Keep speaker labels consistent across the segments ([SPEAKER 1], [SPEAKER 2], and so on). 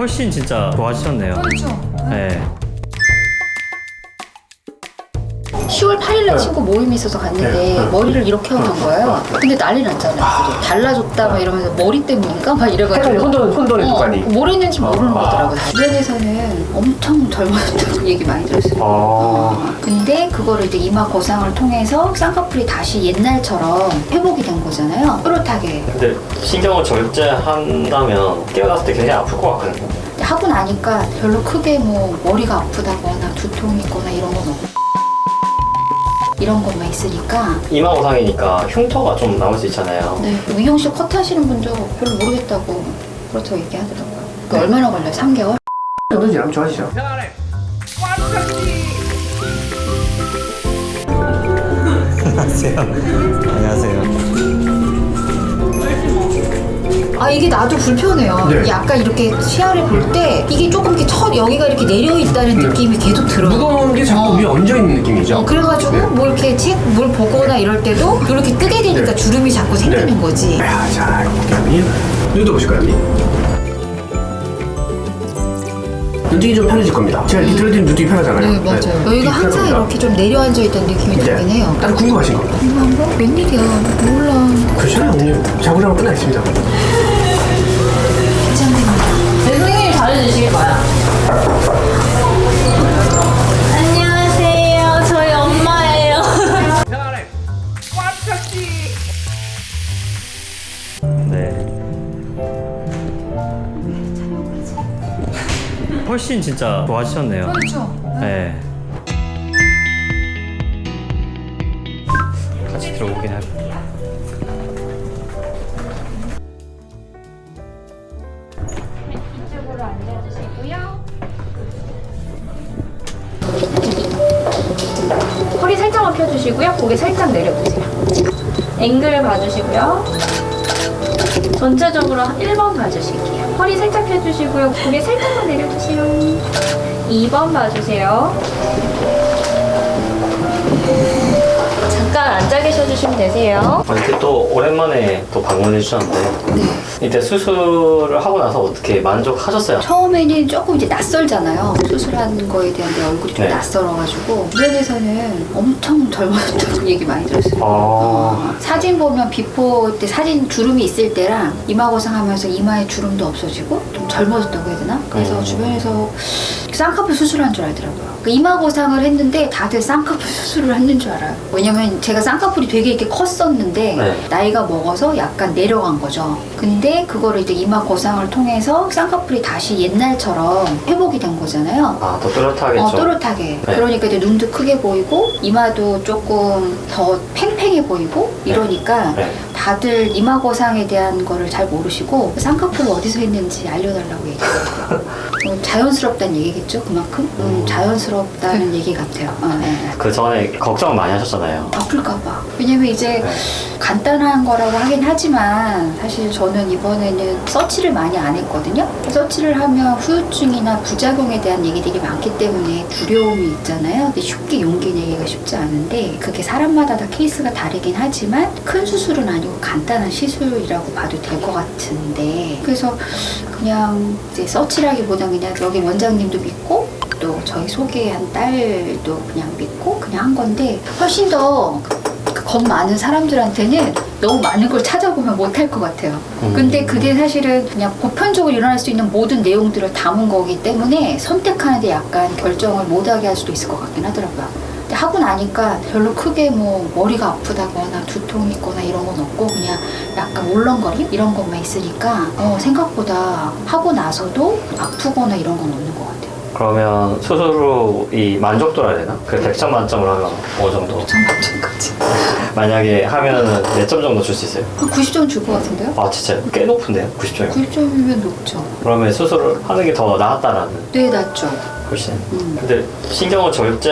[SPEAKER 1] 훨씬 진짜 좋아지셨네요.
[SPEAKER 2] 그렇죠.
[SPEAKER 1] 네.
[SPEAKER 2] 10월 8일날 친구 모임이 있어서 갔는데 머리를 이렇게 하고 거예요. 근데 난리 났잖아요. 달라졌다 막 이러면서 머리 때문인가? 막 이래가지고
[SPEAKER 3] 혼돈의 두가니.
[SPEAKER 2] 뭘 했는지 모르는 거더라고요. 주변에서는 엄청 젊어졌다고 얘기 많이 들었어요. 근데 그거를 이제 이마 거상을 통해서 쌍꺼풀이 다시 옛날처럼 회복이 된 거잖아요. 또렷하게.
[SPEAKER 1] 근데 신경을 절제한다면 깨어났을 때 굉장히 아플 것 같거든요.
[SPEAKER 2] 하고 나니까 별로 크게 뭐 머리가 아프다거나 두통이 있거나 이런 건 없고 이런 것만 있으니까.
[SPEAKER 1] 이마 거상이니까 흉터가 좀 나올 수 있잖아요.
[SPEAKER 2] 네, 미용실 컷 하시는 분도 별로 모르겠다고 그렇다고 얘기하더라고요. 그 얼마나 걸려요? 3개월?
[SPEAKER 3] 정도 지나면 좋아지죠.
[SPEAKER 1] 안녕하세요. 안녕하세요.
[SPEAKER 2] 아, 이게 나도 불편해요.
[SPEAKER 3] 네.
[SPEAKER 2] 약간 이렇게 시야를 볼 때 이게 조금 이렇게 여기가 이렇게 내려 있다는 느낌이 계속 들어요.
[SPEAKER 3] 무거운 게 자꾸 위에 얹어 있는 느낌이죠.
[SPEAKER 2] 그래가지고
[SPEAKER 3] 네.
[SPEAKER 2] 뭐 이렇게 뭘 보거나 이럴 때도 이렇게 뜨게 되니까
[SPEAKER 3] 네.
[SPEAKER 2] 주름이 자꾸 생기는
[SPEAKER 3] 네.
[SPEAKER 2] 거지.
[SPEAKER 3] 자, 이렇게 눈도 보실까요, 언니? 눈뜨기 좀 편해질 겁니다. 제가 이렇게 들어드리면 눈뜨기 편하잖아요.
[SPEAKER 2] 네, 맞아요. 여기가
[SPEAKER 3] 눈뜨기
[SPEAKER 2] 항상
[SPEAKER 3] 편합니다.
[SPEAKER 2] 이렇게 좀 내려앉아 있다는 느낌이 들긴 해요.
[SPEAKER 3] 다른 궁금하신 거?
[SPEAKER 2] 궁금한 거? 웬일이야? 몰라.
[SPEAKER 3] 그렇잖아요, 언니. 자고자고 끝나 있습니다.
[SPEAKER 2] 네, 선생님이 잘해주시길 바야.
[SPEAKER 4] 안녕하세요. 저희 엄마예요.
[SPEAKER 1] 네. 훨씬 진짜 좋아지셨네요.
[SPEAKER 2] 그렇죠.
[SPEAKER 1] 네. 같이 들어오긴 할.
[SPEAKER 4] 이쪽으로 앉아주시고요. 허리 살짝만 펴주시고요. 고개 살짝 내려보세요. 앵글 봐주시고요. 전체적으로 1번 봐주실게요. 허리 살짝 펴주시고요. 고개 살짝만 내려주세요. 2번 봐주세요. 잠깐 앉아 계셔주시면 되세요.
[SPEAKER 1] 이렇게 또 오랜만에 또 방문해 주셨는데 이때 수술을 하고 나서 어떻게 만족하셨어요?
[SPEAKER 2] 처음에는 조금 이제 낯설잖아요. 수술한 거에 대한 내 얼굴이 좀
[SPEAKER 1] 네.
[SPEAKER 2] 낯설어가지고 주변에서는 엄청 젊어졌다고 얘기 많이 들었어요. 사진 보면 비포 때 사진 주름이 있을 때랑 이마 거상하면서 이마에 주름도 없어지고 좀 젊어졌다고 해야 되나? 그래서 주변에서 쌍꺼풀 수술한 줄 알더라고요. 그 이마 거상을 했는데 다들 쌍꺼풀 수술을 했는 줄 알아요. 왜냐면 제가 쌍꺼풀이 되게 이렇게 컸었는데
[SPEAKER 1] 네.
[SPEAKER 2] 나이가 먹어서 약간 내려간 거죠. 근데 그거를 이제 이마 거상을 통해서 쌍꺼풀이 다시 옛날처럼 회복이 된 거잖아요.
[SPEAKER 1] 아, 더 또렷하겠죠.
[SPEAKER 2] 또렷하게.
[SPEAKER 1] 네.
[SPEAKER 2] 그러니까 이제 눈도 크게 보이고 이마도 조금 더 팽팽해 보이고 이러니까
[SPEAKER 1] 네.
[SPEAKER 2] 다들 이마 거상에 대한 거를 잘 모르시고 쌍꺼풀을 어디서 했는지 알려달라고 얘기해요. 자연스럽다는 얘기겠죠, 그만큼? 자연스럽다는 얘기 같아요. 네.
[SPEAKER 1] 그 전에 걱정 많이 하셨잖아요.
[SPEAKER 2] 아플까봐. 왜냐면 이제
[SPEAKER 1] 네.
[SPEAKER 2] 간단한 거라고 하긴 하지만 사실 저는 이번에는 서치를 많이 안 했거든요. 서치를 하면 후유증이나 부작용에 대한 얘기들이 많기 때문에 두려움이 있잖아요. 근데 쉽게 용기 내기가 쉽지 않은데 그게 사람마다 다 케이스가 다르긴 하지만 큰 수술은 아니고 간단한 시술이라고 봐도 될 것 같은데 그래서 그냥 이제 서치라기보다 그냥 여기 원장님도 믿고 또 저희 소개한 딸도 그냥 믿고 그냥 한 건데 훨씬 더 겁 많은 사람들한테는 너무 많은 걸 찾아보면 못할 것 같아요. 근데 그게 사실은 그냥 보편적으로 일어날 수 있는 모든 내용들을 담은 거기 때문에 선택하는데 약간 결정을 못하게 할 수도 있을 것 같긴 하더라고요. 근데 하고 나니까 별로 크게 뭐 머리가 아프다거나 두통이 있거나 이런 건 없고 그냥 약간 울렁거림 이런 것만 있으니까 생각보다 하고 나서도 아프거나 이런 건 없는 것 같아요.
[SPEAKER 1] 그러면 수술 후 이 만족도라 해야 되나? 그 100점 만점으로 하면 어느 정도?
[SPEAKER 2] 정말까지
[SPEAKER 1] 만약에 하면은 몇 점 정도 줄 수 있어요?
[SPEAKER 2] 한 90점 줄 것 같은데요?
[SPEAKER 1] 아, 진짜 꽤 높은데요? 90점이면?
[SPEAKER 2] 90점이면 높죠.
[SPEAKER 1] 그러면 수술을 하는 게 더 나았다라는
[SPEAKER 2] 네, 낫죠.
[SPEAKER 1] 훨씬. 근데 신경을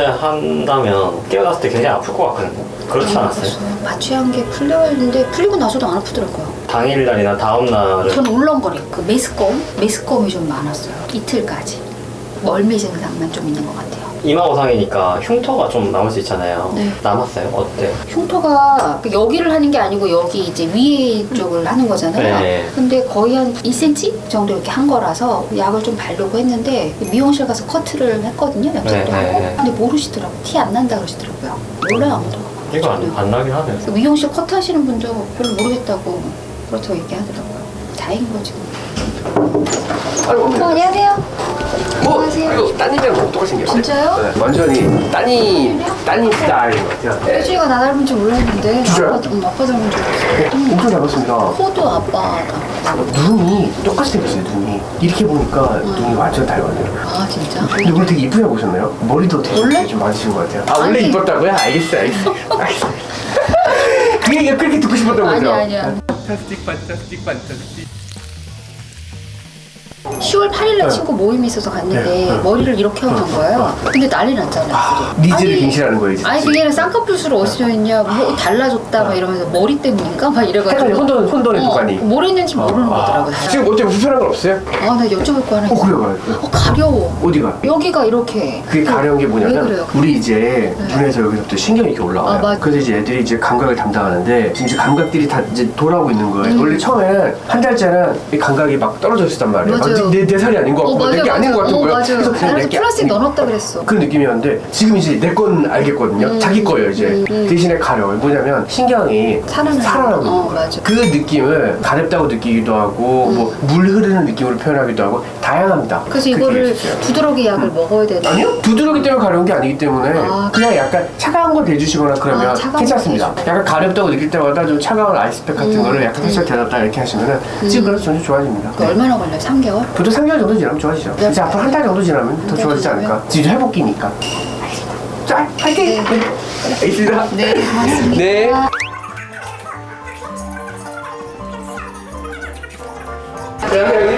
[SPEAKER 1] 절제한다면 깨어났을 때 굉장히 아플 것 같거든요. 그렇지 않았어요?
[SPEAKER 2] 마취한 게 풀려 있는데 풀리고 나서도 안 아프더라고요.
[SPEAKER 1] 당일날이나 다음날은
[SPEAKER 2] 전 울렁거림, 그 메스꺼움이 좀 많았어요. 이틀까지. 멀미 증상만 좀 있는 것 같아요.
[SPEAKER 1] 이마고상이니까 흉터가 좀 남을 수 있잖아요.
[SPEAKER 2] 네.
[SPEAKER 1] 남았어요? 어때요?
[SPEAKER 2] 흉터가 여기를 하는 게 아니고 여기 이제 위에 쪽을 하는 거잖아요.
[SPEAKER 1] 네.
[SPEAKER 2] 근데 거의 한 2cm 정도 이렇게 한 거라서 약을 좀 바르고 했는데 미용실 가서 커트를 했거든요. 염색도
[SPEAKER 1] 네,
[SPEAKER 2] 하고.
[SPEAKER 1] 네.
[SPEAKER 2] 근데 모르시더라고. 티 안 난다 그러시더라고요. 몰라요 아무도.
[SPEAKER 1] 이거 안 나긴 하네요.
[SPEAKER 2] 미용실 커트 하시는 분도 별로 모르겠다고 그렇다고 얘기하더라고요. 다행인 거지.
[SPEAKER 3] 아이고,
[SPEAKER 2] 안녕하세요.
[SPEAKER 3] 뭐,
[SPEAKER 2] 안녕하세요.
[SPEAKER 3] 이거 따님이랑 똑같이 생겼어요.
[SPEAKER 2] 진짜요?
[SPEAKER 3] 네, 완전히 따님 스타일인 것 같아요. 네.
[SPEAKER 2] 혜주이가 나 닮은 줄 몰랐는데
[SPEAKER 3] 진짜요?
[SPEAKER 2] 아빠 닮은 줄 알았어.
[SPEAKER 3] 엄청 닮았습니다.
[SPEAKER 2] 코도 아빠다.
[SPEAKER 3] 눈이 똑같이 생겼어요, 눈이. 이렇게 보니까 눈이 완전 닮았네요.
[SPEAKER 2] 아 진짜?
[SPEAKER 3] 근데 오늘 되게 이쁘게 보셨나요? 머리도 되게
[SPEAKER 2] 원래?
[SPEAKER 3] 좀 많으신 것 같아요. 아, 원래
[SPEAKER 2] 아니.
[SPEAKER 3] 이뻤다고요? 알겠어요. 그 얘기가 그렇게 듣고 싶었던 거죠?
[SPEAKER 2] 아니야.
[SPEAKER 3] 판타스틱, 판타스틱, 판타스틱.
[SPEAKER 2] 10월 8일날 친구 모임이 있어서 갔는데
[SPEAKER 3] 네.
[SPEAKER 2] 머리를 이렇게 하고 간 거예요. 근데 난리 났잖아요.
[SPEAKER 3] 니즈를
[SPEAKER 2] 아니,
[SPEAKER 3] 갱신하는 거예요, 이제.
[SPEAKER 2] 아니 그게 아니라 쌍꺼풀수로 어디서 했냐 뭐 달라졌다 막 이러면서 머리 때문인가 막 이래가지고
[SPEAKER 3] 약간 혼돈의 도가니.
[SPEAKER 2] 뭘 했는지 모르는 거더라고요.
[SPEAKER 3] 지금 어째 불편한 건 없어요?
[SPEAKER 2] 아 나 여쭤볼 거 하나 있어.
[SPEAKER 3] 그래요.
[SPEAKER 2] 가려워.
[SPEAKER 3] 어디가?
[SPEAKER 2] 여기가 이렇게
[SPEAKER 3] 그게 가려운 게
[SPEAKER 2] 왜
[SPEAKER 3] 뭐냐면
[SPEAKER 2] 그래요?
[SPEAKER 3] 우리 이제
[SPEAKER 2] 네.
[SPEAKER 3] 눈에서 여기서부터 신경이 이렇게 올라와요.
[SPEAKER 2] 아, 맞-
[SPEAKER 3] 그래서 이제 애들이 이제 감각을 담당하는데 지금 이제 감각들이 다 이제 돌아오고 있는 거예요. 원래 처음에 한 달째는 이 감각이 막 떨어져 있었단 말이에요.
[SPEAKER 2] 맞아요.
[SPEAKER 3] 내 살이 아닌 것 같고 내게 아닌 것 같은 거예요.
[SPEAKER 2] 맞아요.
[SPEAKER 3] 그래서 그냥
[SPEAKER 2] 그래서
[SPEAKER 3] 내게
[SPEAKER 2] 플라스틱
[SPEAKER 3] 아닌-
[SPEAKER 2] 넣어놨다 그랬어.
[SPEAKER 3] 그런 느낌이었는데 지금 이제 내 건 알겠거든요. 자기 거예요 이제. 대신에 가려워요. 뭐냐면 신경이 살아나고 있는 거예요.
[SPEAKER 2] 맞아.
[SPEAKER 3] 그 느낌을 가렵다고 느끼기도 하고 뭐 물 흐르는 느낌으로 표현하기도 하고 다양합니다.
[SPEAKER 2] 그래서
[SPEAKER 3] 그게
[SPEAKER 2] 이거를
[SPEAKER 3] 있어요.
[SPEAKER 2] 두드러기 약을 먹어야 되는.
[SPEAKER 3] 아니요? 두드러기 때문에 가려운 게 아니기 때문에
[SPEAKER 2] 아.
[SPEAKER 3] 그냥 약간 차가운 거 대주시거나 그러면
[SPEAKER 2] 아, 차가운
[SPEAKER 3] 괜찮습니다.
[SPEAKER 2] 거
[SPEAKER 3] 약간 가렵다고 느낄 때마다 좀 차가운 아이스팩 같은 거를 약간 살짝 대놨다 이렇게 하시면은 지금 그래서 점점 좋아집니다.
[SPEAKER 2] 그 얼마나 걸려요? 3개월?
[SPEAKER 3] 보통 3개월 정도 지나면 좋아지죠.
[SPEAKER 2] 네.
[SPEAKER 3] 이제 앞으로 한 달 정도 지나면 더
[SPEAKER 2] 달
[SPEAKER 3] 좋아지지
[SPEAKER 2] 지나면?
[SPEAKER 3] 않을까. 지금 회복기니까. 자, 파이팅!
[SPEAKER 2] 네.
[SPEAKER 3] 알겠습니다.
[SPEAKER 2] 네, 고맙습니다.
[SPEAKER 3] 네. 그러면